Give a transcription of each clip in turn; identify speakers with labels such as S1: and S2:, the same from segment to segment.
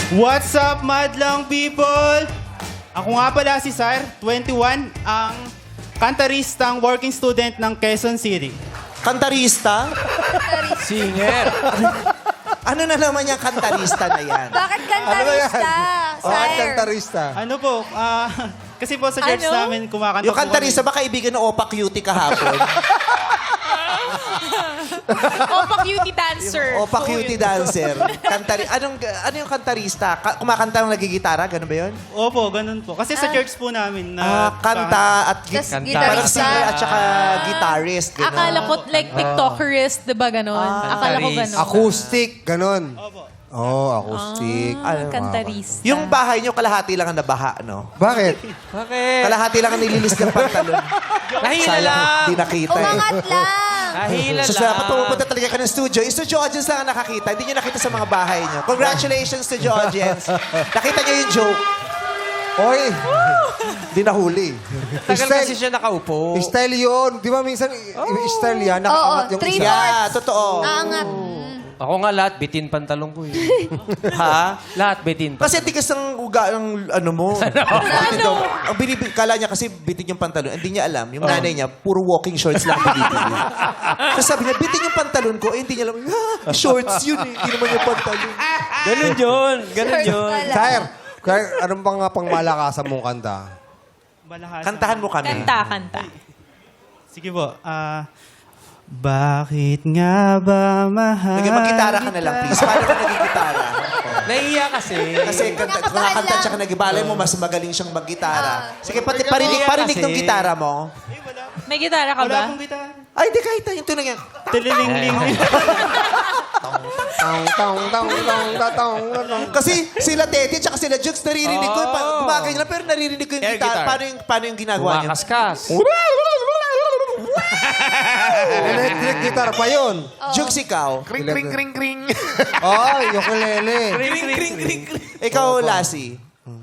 S1: What's up, madlang people? Ako nga pala si Sir, 21, ang kantaristang working student ng Quezon City.
S2: Kantarista?
S3: Singer.
S2: Ano na naman yung kantarista na yan?
S4: Bakit kantarista?
S5: Bakit
S4: Sir?
S5: kantarista?
S1: Ano po, kasi po sa church
S4: Ano?
S1: namin kumakanta
S2: Yung
S1: po
S2: kantarista
S1: kami.
S2: ba kaibigan ng Opa Cutie kahapon?
S4: Opa cutie dancer.
S2: Opa Cutie dancer. Ano yung kantarista? Kumakanta ng nagigitara? Ganun ba yun?
S1: Opo, ganun po. Kasi sa church po namin na...
S2: Kanta at
S4: Tas
S3: Kanta.
S2: parang
S4: gitarista.
S2: singer at saka guitarist. Ganun.
S6: Akala ko like TikTokerist, di ba ganon? Akala ko ganon.
S5: Acoustic, ganon.
S1: Opo.
S5: Oh, acoustic.
S2: Ano?
S6: Kantarista.
S2: Yung bahay nyo, kalahati lang ang nabaha, no?
S5: Bakit?
S3: Bakit?
S2: Kalahati lang ang nililis ng pantalon.
S3: Nahila
S2: Sayang,
S3: lang.
S2: hindi nakita eh.
S4: Umangat lang.
S3: Nahila
S2: So,
S3: lang.
S2: dapat pumupunta talaga ka ng studio. Yung studio audience lang ang nakakita. Hindi nyo nakita sa mga bahay nyo. Congratulations, studio audience. Nakita nyo yung joke.
S5: Oy,
S2: Hindi nahuli.
S3: Tagal kasi siya nakaupo.
S5: style yun. Di ba minsan, style yan, nakaangat yung
S4: three
S5: isa.
S2: Yeah, totoo.
S4: Aangat.
S3: Ako nga lahat, bitin pantalong ko eh.
S2: Ha?
S3: Lahat bitin.
S2: Kasi tigas ng uga ng ano mo. Ano? Ang kala niya kasi bitin yung pantalon. Hindi niya alam. Yung nanay niya, puro walking shorts lang binibili. Tapos sabi niya, bitin yung pantalon ko. Eh, hindi niya alam. Shorts yun eh. Hindi naman yung pantalon.
S3: Ganun yun. Ganun
S4: Shorts
S3: yun.
S4: pala.
S5: Sir, anong pang pangmalakasan mong kanta?
S1: Balahasa.
S2: Kantahan mo kami.
S6: Kanta.
S1: Sige po. Bakit nga ba mahal?
S2: Mag-gitara ka na lang, please. Paano ka nag-gitara?
S3: Nahiya kasi.
S2: Kasi kumakanta siya ka nag-ibalay mo, mas magaling siyang mag-gitara. Sige, parinig ng gitara mo.
S6: May gitara ka
S1: Wala
S6: ba?
S1: akong gitara.
S2: Ay, di kahit yung tunog yan.
S1: Tililing-ling.
S5: Tong.
S2: Kasi sila Tete at sila Jukes, naririnig ko. Gumagay nila, pero naririnig ko yung
S3: Air
S2: gitara.
S3: guitar.
S2: Paano yung ginagawa niyo?
S3: Kumakaskas.
S5: Electric guitar pa yun.
S2: Jukes, ikaw.
S5: Kring, kring, kring, kring. Oh, ukulele.
S2: Ikaw, Lassie.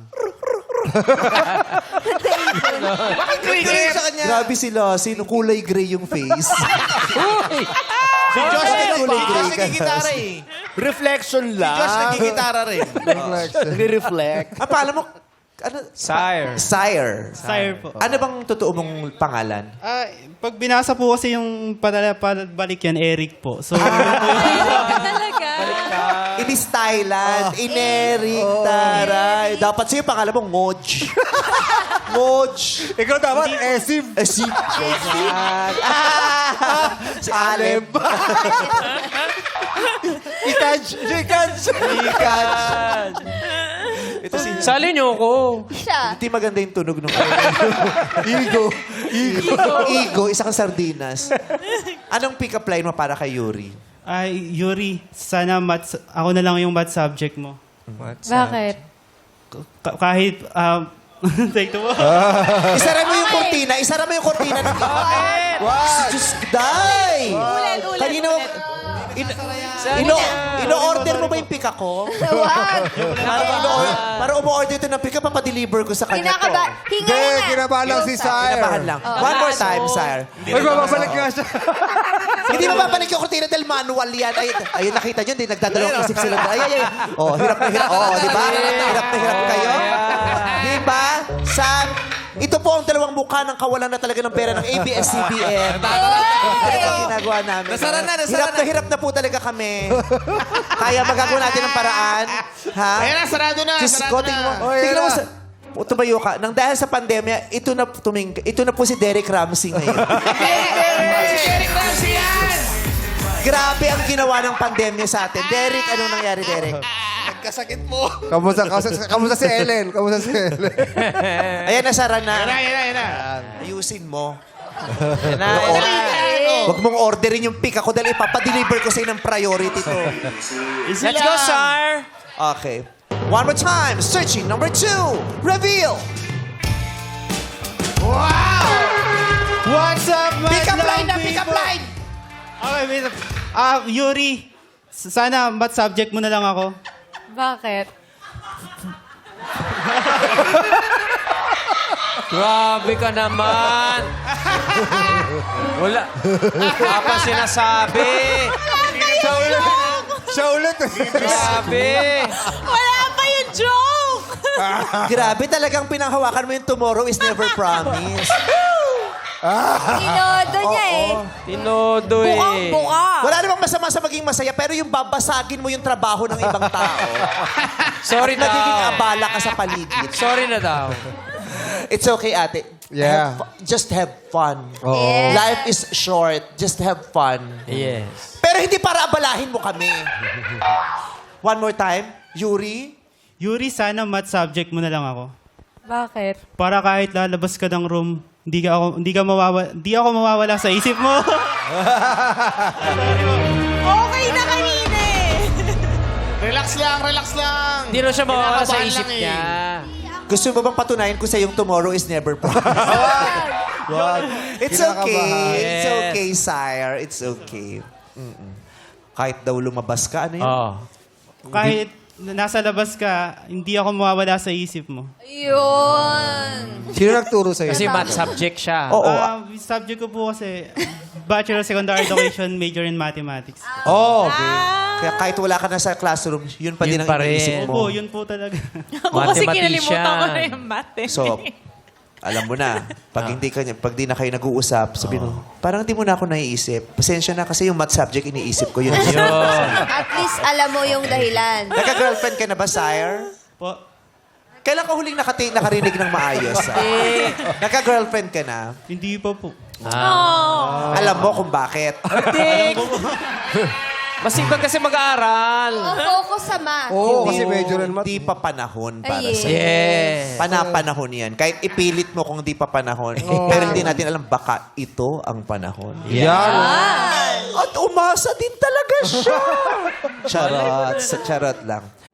S3: Bakit cricket?
S2: Grabe si Lassie, no, kulay gray yung face.
S7: Si Josh
S2: kulay gray ka.
S7: nagigitara eh. Reflection lang. Si Josh nagigitara rin. Nagre-reflect.
S2: Pala mo, ano?
S3: Sire.
S2: Sire.
S1: Sire po.
S2: Ano bang totoo mong pangalan?
S1: Pag binasa po kasi yung balik yan, Eric po. So,
S6: Talaga.
S2: It is Thailand. Inerik, taray. Dapat sa'yo pangalan mo, Ngoj. Ngoj.
S5: Ikaw dapat, Esim.
S2: Si Aleb.
S5: Ikaj.
S2: Ito si...
S3: Sali niyo ako.
S4: Siya.
S2: Hindi maganda yung tunog nung...
S5: Ego.
S2: Ego, isa kang sardinas. Anong pick-up line mo para kay Yuri?
S1: ay, Yuri, sana ako na lang yung math subject mo.
S6: Bakit?
S1: Kahit, take two.
S2: Isara mo yung kortina. Isara mo yung kortina. Bakit? Wow. Diyos, day!
S6: Ulan.
S2: Ino-order mo ba yung pika ko?
S4: Wag.
S2: Para umu-order ito ng pika, papadeliver ko sa kanya to.
S4: Kinakaba. Hinga
S5: Hindi,
S4: nga.
S5: kinabahan lang si Sire.
S2: Kinabahan lang. One more time, sire.
S5: Uy, bababalik nga siya.
S2: Hindi mapapalik yung kortina dahil manual yan. Ayun, nakita nyo, hindi nagdadalawang isip sila. Ay. Oh, hirap na hirap. Oh, di ba? Hirap na hirap kayo. Di ba? Ito po ang dalawang mukha ng kawalan na talaga ng pera ng ABS-CBN. Ito ang ginagawa namin.
S7: Nasara na.
S2: Hirap na po talaga kami. Kaya magagawa natin ng paraan. Ha?
S7: Ayan na, sarado na.
S2: Diyos
S7: sarado
S2: ko,
S7: na.
S2: tingnan mo sa... Tumayo ka. Nang dahil sa pandemya, ito na po si Derek Ramsey ngayon.
S7: Si Derek Ramsey yan!
S2: Grabe ang ginawa ng pandemya sa atin. Derek, anong nangyari, Derek?
S7: Nagkasakit mo.
S5: Kamusta si Ellen?
S2: Ayan, nasara na.
S7: Yan na.
S2: Ayusin mo.
S3: Na.
S2: Huwag mong orderin yung pick ako dahil ipapadeliver ko sa'yo ng priority to.
S3: Let's go, Sire.
S2: Okay. One more time. Searching number 2. Reveal.
S1: What's up,
S2: Pick up
S1: madlang
S2: line na, pick up
S1: people?
S2: line.
S1: Okay, wait. Yuri, sana math subject mo na lang ako.
S6: Bakit?
S3: Grabe ka naman. Wala. Wala pa sinasabi.
S5: Siya ulit.
S3: Grabe.
S6: Wala pa yun
S2: Grabe, talagang pinanghawakan mo yung tomorrow is never promised.
S4: Tinodo niya eh.
S3: Tinodo eh.
S4: Bukang-buka.
S2: Wala namang masama sa maging masaya, pero yung babasagin mo yung trabaho ng ibang tao.
S3: Sorry
S2: Nagiging
S3: daw.
S2: abala ka sa paligid.
S3: Sorry na daw.
S2: It's okay, ate.
S5: Yeah.
S2: Just have fun.
S4: Yes.
S2: Life is short. Just have fun.
S3: Yes.
S2: Pero hindi para abalahin mo kami. One more time. Yuri?
S1: Yuri, sana math subject mo na lang ako.
S6: Bakit?
S1: Para kahit lalabas ka ng room, hindi ako mawawala sa isip mo.
S4: Okay na kanina eh.
S7: Relax lang, relax lang.
S3: Hindi na siya mawawala sa
S7: Kinakabahan
S3: isip
S7: lang
S3: niya.
S2: Gusto mo bang patunayan ko sa yung tomorrow is never promised? It's okay. It's
S3: Yes.
S2: okay, sire. It's okay. Kahit daw lumabas ka, ano yun?
S3: Oh.
S1: Kahit nasa labas ka, hindi ako mawawala sa isip mo.
S4: Yun.
S5: Sino nagturo sa'yo?
S3: Kasi math subject siya.
S2: Oo.
S1: Subject ko po kasi Bachelor of Secondary Education, major in Mathematics.
S2: Oh, okay. Kaya kahit wala ka na sa classroom, yun pa din
S3: Yun
S2: ang
S3: pa rin.
S2: iniisip mo.
S1: Opo, yun po talaga.
S6: Ako kasi
S3: Mathematician.
S6: kinalimutan ko na yung math eh.
S2: So, alam mo na, pag di na kayo nag-uusap, sabi mo, parang di mo na ako naiisip. Pasensya na kasi yung math subject iniisip ko. Yun.
S3: Yun.
S4: At least alam mo yung dahilan.
S2: Nagka-girlfriend ka na ba, sire?
S1: Po,
S2: Kailan ka huling nakarinig ng maayos? Nagka-girlfriend ka na?
S1: hindi pa po.
S2: Alam mo kung bakit.
S3: Masipag kasi mag-aaral.
S4: Focus sa math.
S5: Oo, kasi major in math.
S2: Di pa panahon para
S4: Ay,
S2: sa
S3: Yes.
S2: Panapanahon yan. Kahit ipilit mo kung di pa panahon. Pero hindi natin alam, baka ito ang panahon.
S5: Yan.
S2: At umasa din talaga siya. Charot. Sa charot lang.